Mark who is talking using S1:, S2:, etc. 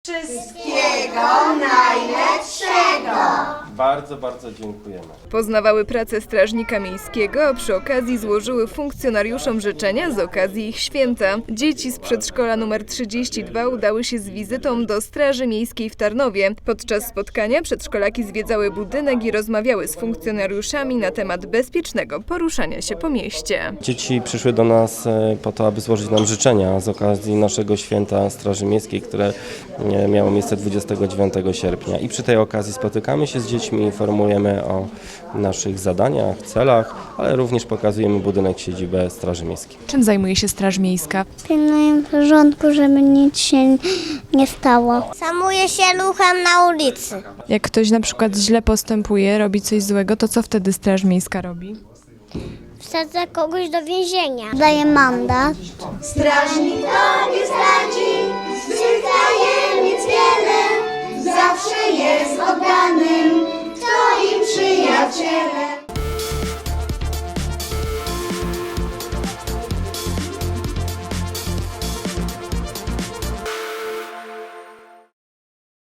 S1: Wszystkiego najlepszego!
S2: Bardzo, bardzo dziękujemy.
S3: Poznawały pracę strażnika miejskiego, a przy okazji złożyły funkcjonariuszom życzenia z okazji ich święta. Dzieci z przedszkola nr 32 udały się z wizytą do Straży Miejskiej w Tarnowie. Podczas spotkania przedszkolaki zwiedzały budynek i rozmawiały z funkcjonariuszami na temat bezpiecznego poruszania się po mieście.
S2: Dzieci przyszły do nas po to, aby złożyć nam życzenia z okazji naszego święta Straży Miejskiej, które miało miejsce 29 sierpnia. I przy tej okazji spotykamy się z dziećmi, informujemy o naszych zadaniach, celach, ale również pokazujemy budynek, siedzibę Straży Miejskiej.
S4: Czym zajmuje się Straż Miejska?
S5: Pilnuję porządku, żeby nic się nie stało.
S6: Zajmuję się ruchem na ulicy.
S4: Jak ktoś na przykład źle postępuje, robi coś złego, to co wtedy Straż Miejska robi?
S6: Wsadzę kogoś do więzienia.
S5: Daję mandat.
S1: Strażnik tobie zdradzi, z tajemnic